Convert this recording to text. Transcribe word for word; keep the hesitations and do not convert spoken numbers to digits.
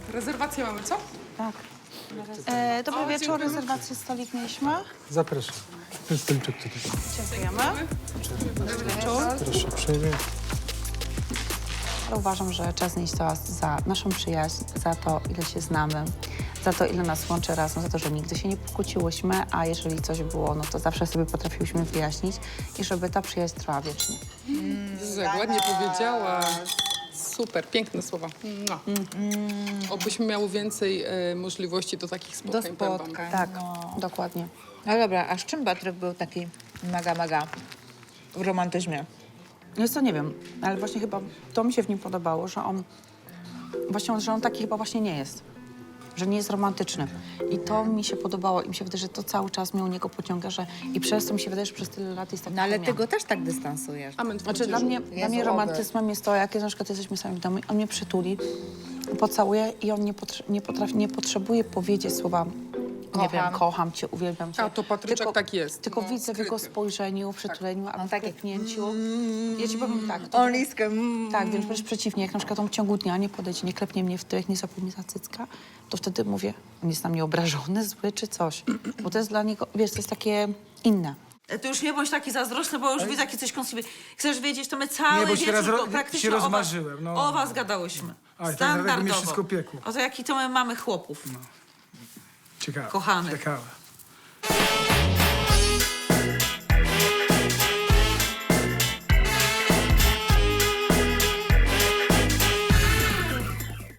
rezerwację mamy, co? Tak. E, dobry O, wieczór, dziękujemy. rezerwację stolik mieliśmy. Zapraszam. Ten stolczek tutaj. Dziękujemy. Dobry wieczór. Proszę uprzejmie. Ale uważam, że czas nieść toast za naszą przyjaźń, za to, ile się znamy, za to, ile nas łączy razem, za to, że nigdy się nie pokłóciłyśmy, a jeżeli coś było, no to zawsze sobie potrafiłyśmy wyjaśnić i żeby ta przyjaźń trwała wiecznie. Jezu, jak ładnie powiedziała. Super, piękne słowa. No. Obyśmy miały więcej e, możliwości do takich spotkań. Do powiem wam. spotkań. Tak, No. dokładnie. No dobra, a z czym Patryk był taki mega, mega w romantyzmie? Jest to nie wiem, ale właśnie chyba to mi się w nim podobało, że on właśnie, że on taki chyba właśnie nie jest. Że nie jest romantyczny. I to mi się podobało i mi się wydaje, że to cały czas mnie u niego pociąga, że i przez to mi się wydaje, że przez tyle lat jest tak. No ale ty go też tak dystansujesz. Amen. Znaczy dla mnie, dla mnie Jezu, romantyzmem jest to, jak na przykład jesteśmy sami w domu, on mnie przytuli, pocałuje i on nie, potrze- nie potrafi, nie potrzebuje powiedzieć słowa nie Kocham. wiem, kocham cię, uwielbiam cię. A, to Patryczek tak jest. Tylko No, widzę w jego skryty. spojrzeniu, w przytuleniu, a No, w takie- klepnięciu. Ja ci powiem tak. To On liskę. Mm. Tak, więc wręcz przeciwnie, jak na przykład on w ciągu dnia nie podejdzie, nie klepnie mnie w tyłek, nie złapie mnie za cycka, to wtedy mówię, on jest na mnie obrażony, zły czy coś. Bo to jest dla niego, wiesz, to jest takie inne. Ty już nie bądź taki zazdrosny, bo już widzę, jakie coś kąsliwy. Chcesz wiedzieć, to my cały Nie, bo się wieczór rozro- to praktycznie się o was- rozmarzyłem, no. O was gadałyśmy. Oj, to dlatego mi Standardowo. wszystko piekło. O to jaki to my mamy chłopów. Ciekawe. Kochanych. Ciekawe.